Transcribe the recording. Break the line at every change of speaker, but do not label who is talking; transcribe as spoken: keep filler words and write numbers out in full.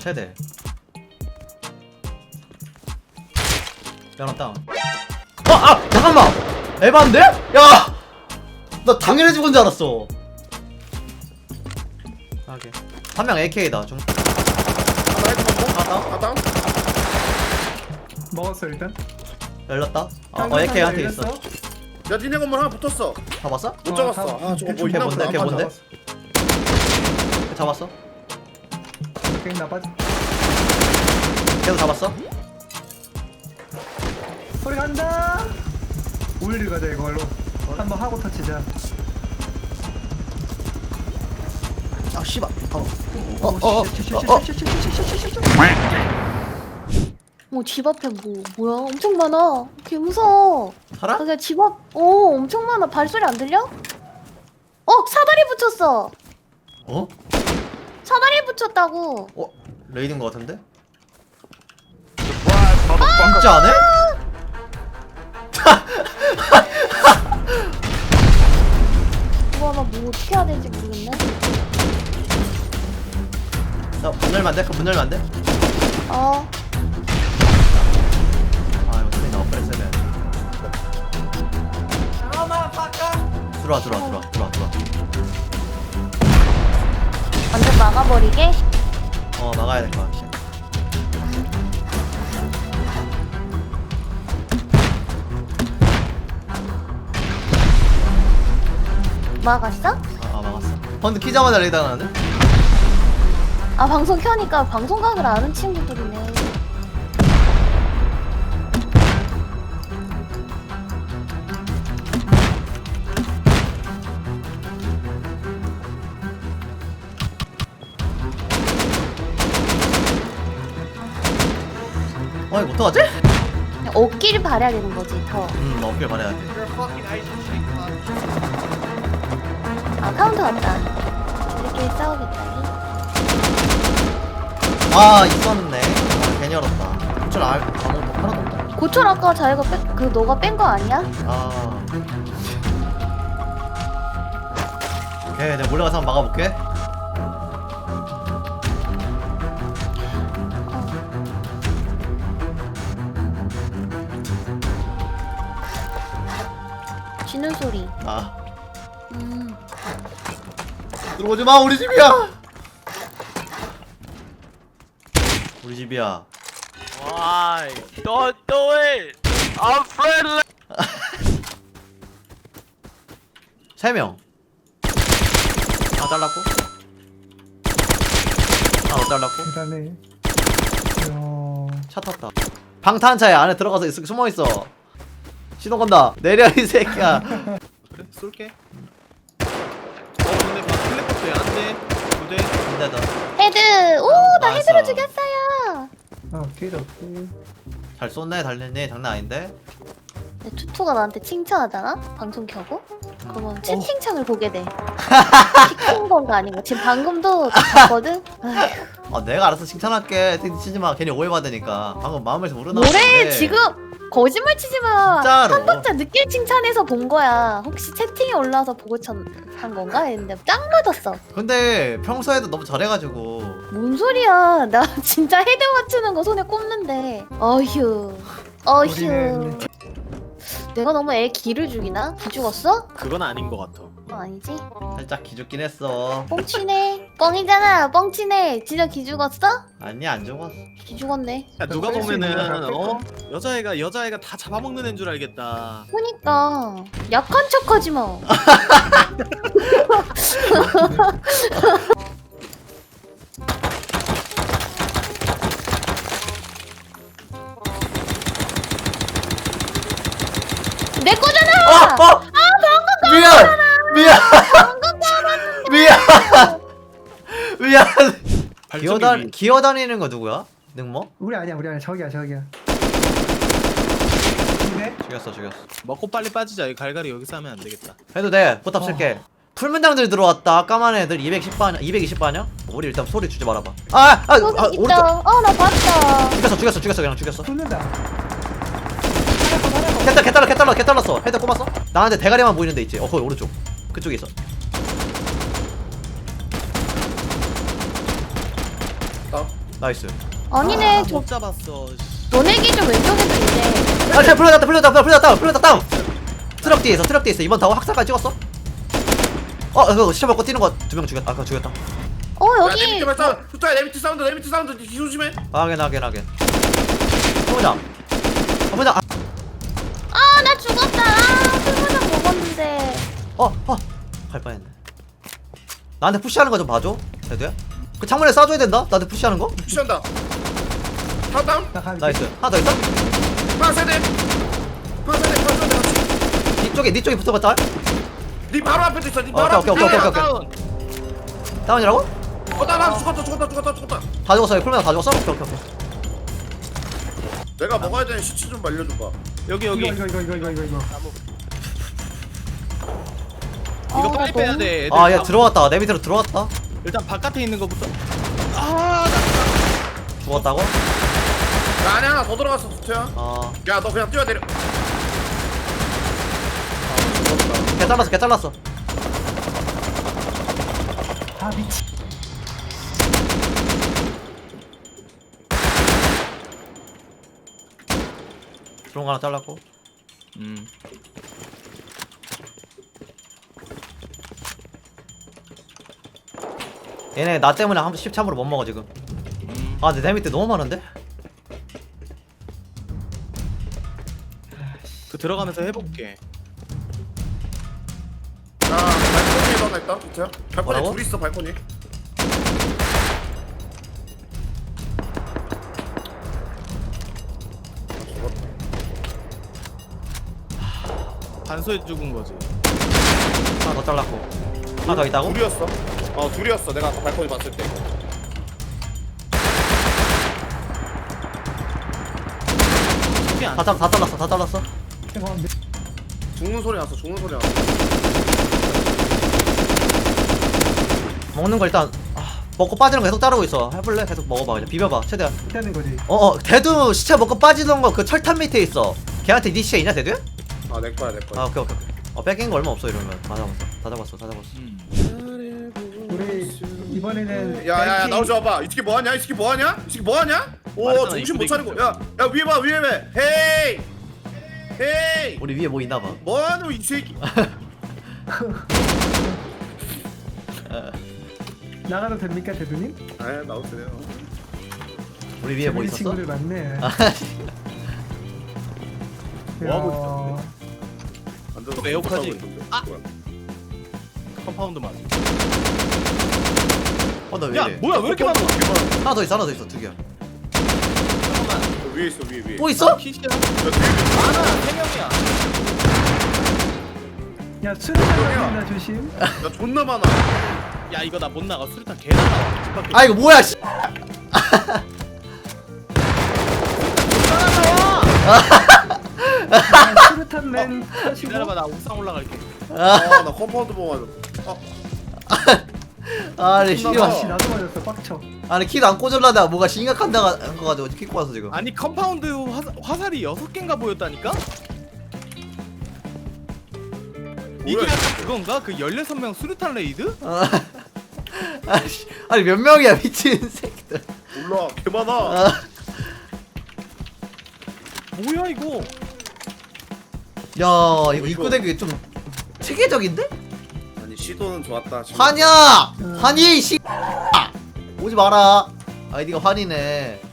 세대. 열었다. 아! 아! 잠깐만! 에반데? 야! 나 당연히 죽은 줄 알았어. 하게. 한 명 에이케이다. 중.
하나 헤드
갔다.
갔다.
먹었어 일단.
열렸다. 아, 어, 에이케이 한테 있어.
야 니네 건물 하나 붙었어.
잡았어?
못
어,
잡았어.
다-
아 저거 뭐
걔
있나
뭔데?
보다.
걔
안
뭔데?
맞아.
잡았어?
게임 나빠지.
걔도 잡았어?
소리 간다. 우일리 가자 이걸로. 한번 하고 터치자.
아 씨발. 어.
어,
어, 어, 어,
어, 집 앞에 뭐, 뭐야? 엄청 많아. 개 무서워.
살아?
아, 그냥 집 앞, 어, 엄청 많아. 발소리 안 들려? 어, 사다리 붙였어.
어?
사다리 붙였다고.
어? 레이드인 거 같은데? 진짜 안 해?
이거 아마 뭐 어떻게 해야 될지 모르겠네.
야, 문 열면 안 돼? 그럼 문 열면 안 돼?
어,
아, 이거 소리 나와. 빨리 세네. 들어와, 들어와, 들어와, 들어와, 들어와.
완전 막아버리게.
어, 나가야 될 것 같아.
막았어?
아, 아 막았어. 근데 키자마자 레이드 하나는데?
아, 방송 켜니까 방송각을 아는 친구들이네.
어, 이거 어떡하지?
그냥 옷길 바래야 되는 거지, 더.
음, 나 어필 말해야 돼.
아, 카운터 왔다. 이렇게 싸우겠다.
아, 있었네. 아, 괜히 열었다. 고철 알, 아무것도 하나도 없다.
고철 아까 자기가 뺀, 그 너가 뺀 거 아니야?
아. 오케이, 내가 몰래 가서 한번 막아볼게.
쥐는 소리.
아.
음.
들어오지 마, 우리 집이야! 우리 집이야.
Why? Don't do it! I'm friendly!
세 명. 아, 잘랐고. 아, 못 잘랐고.
대단해. 어.
차 탔다. 방탄차에 안에 들어가서 있, 숨어 있어. 시동 건다. 내려 이 새끼야.
그래 쏠게. 어 근데 막 플랫포트 안돼. 두대.
근데 너
헤드! 오, 나
나이스.
헤드로 죽였어요!
어 길 없고.
잘 쏜네, 달리네. 장난 아닌데.
근데 투투가 나한테 칭찬하잖아? 방송 켜고? 그러면 채팅창을 보게 돼. 시킨 건가 아닌 거. 지금 방금도 봤거든? 아휴.
아, 내가 알아서 칭찬할게. 치지 마. 괜히 오해받으니까. 방금 마음에서 우러나.
뭐래? 지금 거짓말 치지 마.
진짜로.
한 번째 늦게 칭찬해서 본 거야. 혹시 채팅에 올라와서 보고 천, 한 건가? 했는데 짱 맞았어.
근데 평소에도 너무 잘해가지고.
뭔 소리야. 나 진짜 헤드 맞추는 거 손에 꼽는데. 어휴. 어휴.
우리는
내가 너무 애 기를 죽이나? 기 죽었어?
그건 아닌 것 같아.
어, 아니지.
살짝 기죽긴 했어.
뻥치네. 뻥이잖아. 뻥치네. 진짜 기 죽었어?
아니, 안 죽었어.
기 죽었네.
야 누가
뺄수 있는
보면은
거야,
어 여자애가 여자애가 다 잡아먹는 애인 줄 알겠다.
그니까 약한 척하지 마. 내 거잖아.
어! 어! 미안! 미안! 미안! 미안! 기어다, 기어다니는 거 누구야? 능모?
우리 아니야 우리 아니야 저기야 저기야. 근데
죽였어, 죽였어.
먹고 빨리 빠지자. 이 갈갈이 여기서 하면 안 되겠다.
해도 돼. 포탑 쓸게. 풀문장들 들어왔다. 까만 애들 이백십 반, 이백이십 반이야? 우리 일단 소리 주지 말아봐. 아! 아! 아!
거기
아
있다.
오른쪽!
어, 나 봤다.
죽였어, 죽였어, 죽였어. 그냥 죽였어.
쏟는다.
개, 개 달러, 개 달러, 개 달렀어. 헤드 꼽았어? 나한테 대가리만 보이는 데 있지? 어, 거기 오른쪽. 그쪽에 있어.
어?
나이스.
아니네
아,
저
못 잡았어.
너네 기준 왼쪽에도 있네.
아, 쟤 풀려났다, 풀려났다, 풀려났다, 풀려났다, 다운. 트럭 뒤에 있어, 트럭 뒤에 있어. 이번 다운 학살까지 찍었어. 어, 그거 시체 먹고 뛰는 거 두 명 죽였다. 아까 죽였다.
어
야, 내
여기
밑에 발사. 투타야 내 밑에 사운드 내 밑에 사운드 뒤 조심해.
확인, 확인, 확인. 해보자. 해보자. 아,
아 나 죽었다. 아 술무장 먹었는데.
어, 어, 갈 뻔했네. 나한테 푸시하는 거 좀 봐줘. 대두야. 그 창문에 쏴줘야 된다. 나한테 푸시하는 거.
푸시한다. 타다운.
나 갈게.
나이스. 하나 더 있어?
하나 세대. 하나 세대. 하나 세대 같이.
뒤쪽에, 네 쪽에 붙어봤다.
네 바로 앞에도 있어. 네
어,
바로
오케이,
앞에.
오케이, 오케이, 오케이.
다운.
다운이라고?
어, 나, 나 죽었다, 죽었다, 죽었다, 죽었다.
다 죽었어. 풀면 다 죽었어? 오케이, 오케이, 오케이.
내가 먹어야 되는 시체 좀 말려줘봐.
여기
이거
여기.
이거 이거 이거 이거 이거 이거.
이거
아,
빨리
나
빼야
너무-
돼. 애들
아, 얘
다-
들어왔다. 내 밑으로 들어왔다.
일단 바깥에 있는 거부터. 아, 나
죽었다고?
나 안에 하나 더 들어갔어, 투타야.
어.
야, 너 그냥 뛰어내려.
개 잘랐어, 개 잘랐어.
아 미치.
들어온 거 하나 잘랐고.
음.
얘네 나 때문에 한 십참으로 못 먹어 지금. 아 근데 내 밑에 너무 많은데?
그 들어가면서 해볼게.
야, 발코니에 하나 있다, 투타야. 발코니
뭐라고?
둘 있어, 발코니.
반소에 죽은 거지.
하나 더 잘랐고. 하나 더 있다고?
둘이었어. 어, 둘이었어. 내가 아까 발코니 봤을 때.
이게 안.
다, 잘- 다 잘랐어, 다 잘랐어.
죄송한데.
죽는 소리 났어, 죽는 소리 났어.
먹는 거 일단 아, 먹고 빠지는 거 계속 자르고 있어. 해볼래? 계속 먹어봐 그냥 비벼봐 최대한.
되는 거지.
어어 대두 시체 먹고 빠지던 거 그 철탑 밑에 있어. 걔한테 네 시체 있냐 대두야?
아, 내 거야, 내
아
거야.
오케이 오케이 오케이. 어 뺏긴 거 얼마 없어 이러면 다 잡았어 다 잡았어 다 잡았어.
음.
우리 이번에는
야, 야, 야,
뱅킹-
나오지 와봐. 이 새끼 뭐하냐? 이 새끼 뭐하냐? 이 새끼 뭐하냐? 오,
맞잖아,
정신 못
이쁘게
차리고.
생겼어.
야, 야, 위에 봐, 위에 봐. 헤이, 헤이.
우리 위에 뭐 있나 봐.
뭐하노 이 새끼?
나가도 됩니까 대두님?
아, 나오세요.
우리 위에 뭐
재밌는
있었어?
친구들 많네.
아,
뭐 하고
어,
완전
또 에어컨이-
있던데.
아!
뭐야?
컴파운드 맞아.
어나 왜
야,
이래?
뭐야? 왜 이렇게 많아?
하나 더 있어 하나 더 있어 두 개야.
잠깐만.
저 위에 있어, 위에 위에.
뭐 있어?
퀴즈야.
야, 뒤에
많아. 세 명이야.
야 술을 먹는다 조심.
야, 존나 많아.
야, 이거 나 못 나가. 수류탄 개 나와. 집 밖에.
아 이거 뭐야 씨.
야, 수류탄 맨 하시고.
기다려봐, 나 옥상 올라갈게.
아, 나 컴파운드 보고 맞아. 아,
아니
존나
아씨
씨발.
나도 맞았어 빡쳐.
아니 키도 안 꽂을라다 뭐가 심각한다가 한거 가지고 킥고 와서 지금.
아니 컴파운드 화, 화살이 여섯 개인가 보였다니까? 이게
뭐야,
약간 그건가? 그 열여섯 명 수류탄 레이드?
아, 아씨, 아니 몇 명이야 미친 새끼들.
몰라, 개 많아.
아,
뭐야 이거?
야 이거 입구 대기 좀 체계적인데?
아니, 시도는 좋았다. 시도는
환이야, 환이 씨. 오지 마라. 아이디가 환이네.